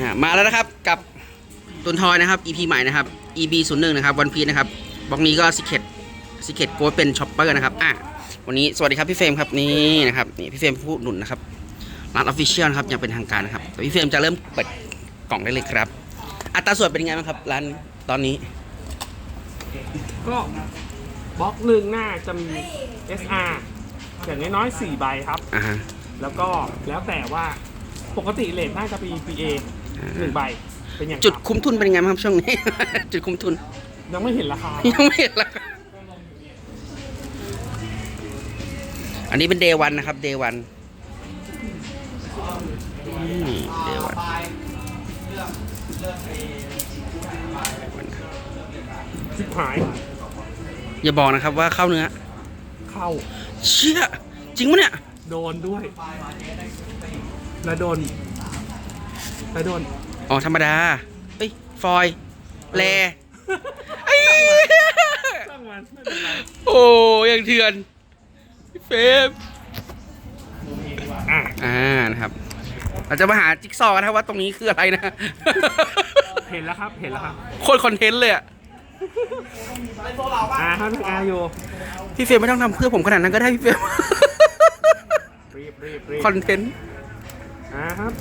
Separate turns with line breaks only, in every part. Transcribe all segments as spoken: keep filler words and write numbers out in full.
อ่ามาแล้วนะครับกับตุนทอยนะครับ อี พี ใหม่นะครับ อี บี ศูนย์หนึ่ง นะครับวันพีนะครับบล็อกนี้ก็ซิเคตซิเคตโค้ดเป็นช็อปเปอร์นะครับอ่ะวันนี้สวัสดีครับพี่เฟรมครับนี่นะครับนี่พี่เฟรมผู้หนุนนะครับร้านออฟฟิเชียลนะครับอย่างเป็นทางการนะครับพี่เฟรมจะเริ่มเปิดกล่องได้เลยครับอัตราส่วนเป็นยังไงบ้างครับร้านตอนนี้
ก็บล็อกหนึ่งหน้าจะมี เอส อาร์ อย่างน้อยๆสี่ใบครับ
อ่าฮะ
แล้วก็แล้วแต่ว่าปกติเลทน่าจะเป็น พี เอ หนึ่งใบเป็นอย่าง
จุดคุ้มทุนเป็นยังไงบ้างครับช่วงนี้ จุดคุ้มทุน
ยังไม่เห็นราคา
ยังไม่เห็นราคาอันนี้เป็นเดย์วันนะครับเดย์วันเดย์วัน
สิบหาย
อย่าบอกนะครับว่าเข้าเนื้อ
เข้า
เชี่ยจริงปะเนี่ย
โดนด้วยแล้วโดนแล้วโดน
อ๋อธรรมดาเอ้ยฟอยแล
ตั้งมันไม่เป็นไร
โอ้ยังเถื่อนเฟฟอ่าอ่านะครับเราจะมาหาจิ๊กซอว์กันนะครับว่าตรงนี้คืออะไรนะ
เห็นแล้วครับเห็นแล้วครับ
โคตรคอนเทนต์เลยอ่ะ
อ่าครับอาโย
พี่เฟรมไม่ต้องทำเพื่อผมขนาดนั้นก็ได้พี่เฟรมคอนเทนต์
อ่าครับ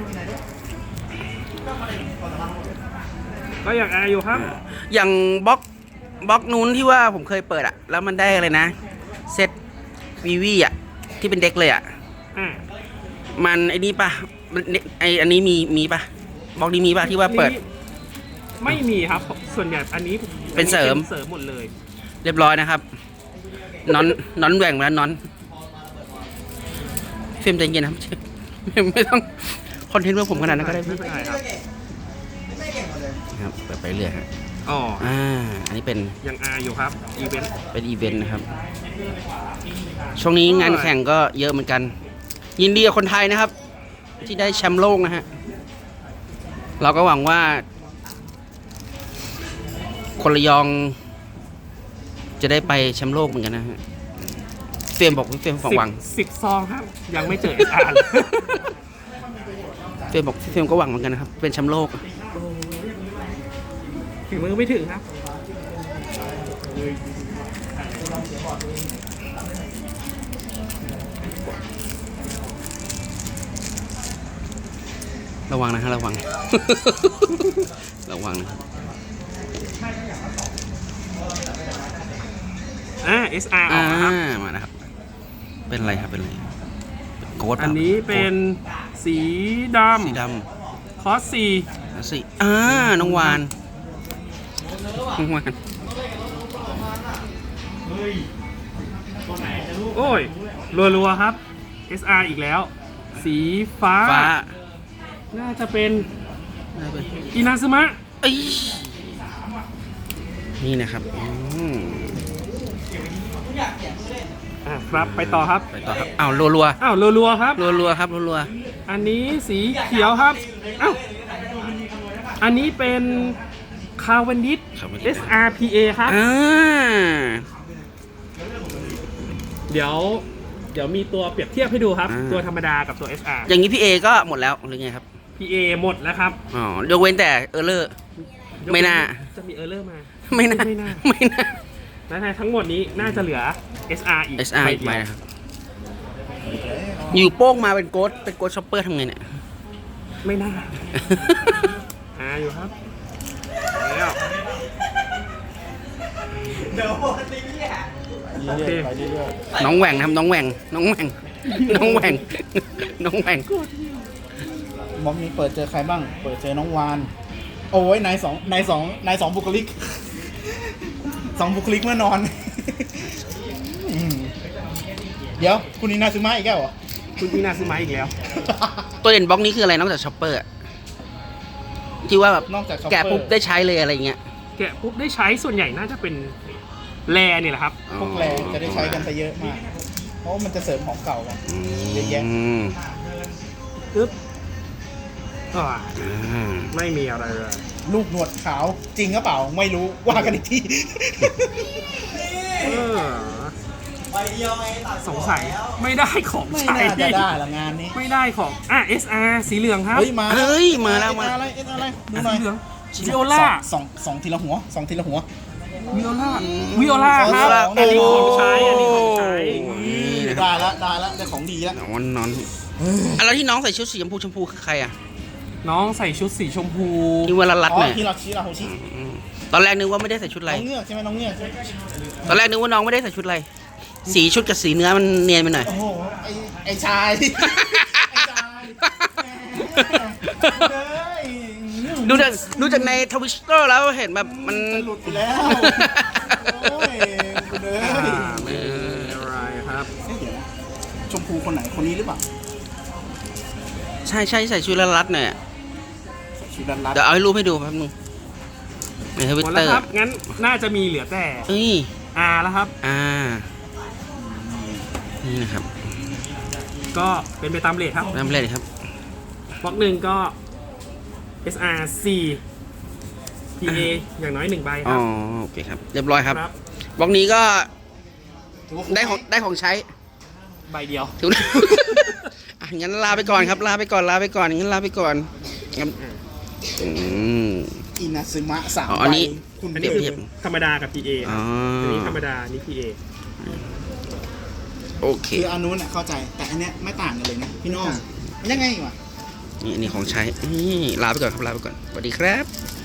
ก็อย่างอาโยครับ
อย่างบล็อกบล็อกนู้นที่ว่าผมเคยเปิดอ่ะแล้วมันได้อะไรนะเซตวีวีอ่ะที่เป็นเด็กเลยอ่ะมันไอ้นี่ป่ะไออันนี้มีมีป่ะบล็อกนี้มีป่ะที่ว่าเปิด
ไม่มีครับส่วนใหญ่อันนี้
เป็นเสริม
เสริมหมดเลย
เรียบร้อยนะครับนอนนอนแหว่งมาแล้วนอนเฟรมใจเย็นครับไม่ต้องคอนเทนต์เพื่อผมขนาดนั้นก็ได้
ไม่เป็นไรครับ
ครับเปิดไปเรื่อยครับ
อ๋อ
อ่าอันนี้เป็น
ยังอาอยู่ครับอีเวนต์
เป็นอีเวนต์นะครับช่วงนี้งานแข่งก็เยอะเหมือนกันยินดีกับคนไทยนะครับที่ได้แชมป์โลกนะฮะเราก็หวังว่าคนระยองจะได้ไปแชมป์โลกเหมือนกันนะฮะเฟรมบอกเฟรมหวัง
สิบซองครับยังไม่เจอเอสอาร์
เฟรมบอกเฟรมก็หวังเหมือนกันนะครับเป็นแชมป์โลก
ถึงมือไม่ถึงครับ
ระวังนะฮะระวังระวังนะครับ
อ่า เอส อาร์ ออกมาครับ
มานะครับเป็นอะไรครับเป็นอะไรโค้ด
อันนี้เป็นสีดำ
สีด
ำคอสสี่
สีอ่าน้องวานน้องวาน
โอ้ยรัวๆครับ เอส อาร์ อีกแล้วสีฟ้าน่าจะเป็นอินาซึมะ
นี่นะครับ
อ่ะครับไปต่อครับ
ไปต่อครับอ้าวรัว
ๆอ้าวรัวๆครับ
รัวๆครับรัว
ๆอันนี้สีเขียวครับอ้าวอันนี้เป็นคาร์วันดิส เอส อาร์ พี เอ ครับ
อ่า
เดี๋ยวเดี๋ยวมีตัวเปรียบเทียบให้ดูครับตัวธรรมดากับตัว เอส อาร์
อย่างนี้ พี เอ ก็หมดแล้วหรือไงครับ
พี เอ หมดแล้วครับ
อ๋อยกเว้นแต่เออร์เลอร์ไม่น่า
จะมีเออร์เลอร์มา
ไม่น่าไม่น่าไม่น่า
และทั้งหมดนี้น่าจะเหลือ เอส อาร์ อีก
เอส อาร์ อีกไหมครับอยู่โป้งมาเป็นโกดเป็นโกดช็อปเปอร์ทำไงเนี่ย
ไม่น่าอ่าอยู่ครับแล้วเดี๋ยวนี้โอเค
น้องแหว่งครับน้องแหว่งน้องแหว่งน้องแหว่งน้องแหว่ง
ม็อบนี้เปิดเจอใครบ้างเปิดเจอน้องวานโอ้ยนายสองนายสองนายสองบุคลิกสองบุคลิกเมื่อนอนเดี๋ยวคุณอินาซึมะอีกแล้วเหรอ
คุณอินาซึมะอีกแล้ว
ตัวเด่นบล็อกนี้คืออะไรนอกจากช็อปเปอร์ที่ว่าแบบ
นอกจาก
แกะปุ๊บได้ใช้เลยอะไรเงี้ย
แกะปุ๊บได้ใช้ส่วนใหญ่น่าจะเป็นแรนี่แหละครับ
พวกแรจะได้ใช้กันไปเยอะมากเพราะมันจะเสริมของเก่ากันเยอะแยะ
ปึ๊บไม่มีอะไรเลย
ลูกหนวดขาวจริงหรือเปล่าไม่รู้ว่ากันอีกที
สงสัยไม่ได้ของ
ไม่น่าจะได้ละงานนี้
ไม่ได้ของอ่ะ เอส อาร์ สีเหลืองครับ
เฮ้ยมาเฮ้ยมาแล้วมา
อะไรดู
อ่ะ
หน่อย
สีเหลืองวิโอล่า
สองสองทีละหัวสองทีละหัว
วิโอล่าวิโอล่าครับ
โอ้
อันนี้ของใช้อันนี้ของใช้
นี่นะค
ได้
รับ
ละได้ละได้ของดีละ
นอนนอนอ่ะแล้วที่น้องใส่ชุดสีชมพูชมพูคือใครอ่ะ
น้องใส่ชุดสีชมพู
ที่เวลารัด
อ๋อ
หน่อย
ฮิราชิราโฮชิ
อืมตอนแรกนึกว่าไม่ได้ใส่ชุดอะไร
น้องเงือกใช่ไหมน้องเงือกใช่ไหม
ตอนแรกนึกว่าน้องไม่ได้ใส่ชุดอะไร สีชุดกับสีเนื้อมันเนียนไปหน่อย
โอ้โหไอไอชายไอชายเฮ้ย
ดูจากดูจากในทวิตเตอร์แล้วเห็นแบบมัน
จะหลุดไปแล้วโอ้ยคุณเอ้
อ่าย ไม่เป็นอะไรครับ
เอ๊ะเดี๋ยวนะชมพูคนไหนคนนี้หรือเปล่า
ใช่ใช่ใส่ชุดละรัดหน่อยอะ
ชุดรัดรัด
เดี๋ยวเอาให้รูปให้ดูแป๊บนึงในทวิต
หมด
เต
แล้
อ
ว
ร์
ครับ งั้นน่าจะมีเหลือแต่
เอ้ย
อาแล้วครับ
อ่า นี่นะครับ
ก็เป็นไปตามเรทครับ
เริ่มเล่นครับ
บล็อกหนึ่งก็ เอส อาร์ สี่ พี เอ อย่างน้อยหนึ่งใบค
อ๋อ
รับ
โอเคครับ เรียบร้อยครับ
ครับ
บล็อกนี้ก็
ถือว่า
ได้ของได้ของใช้
ใบเดียว
ถือ อ่ะงั้นลาไปก่อนครับ ลาไปก่อน ลาไปก่อน งั้นลาไปก่อนงั้นอืม
อินาซึมะสาม
อ๋ออันนี้
ใบคุณ
อัน
เปรี
นี้
ยบ
เที
เที
ย
ย
บบ
ธรรมดากับ พี เอ
อ๋อ
อันนี้ธรรมดา นี่ พี เอ
โอเค
คืออันนู้นน่ะเข้าใจ แต่อันเนี้ยไม่ต่างกันเลยนะพี่น้องมันยังไงวะ
นี่นี่ของใช้ นี่ลาไปก่อนครับ ลาไปก่อน สวัสดีครับ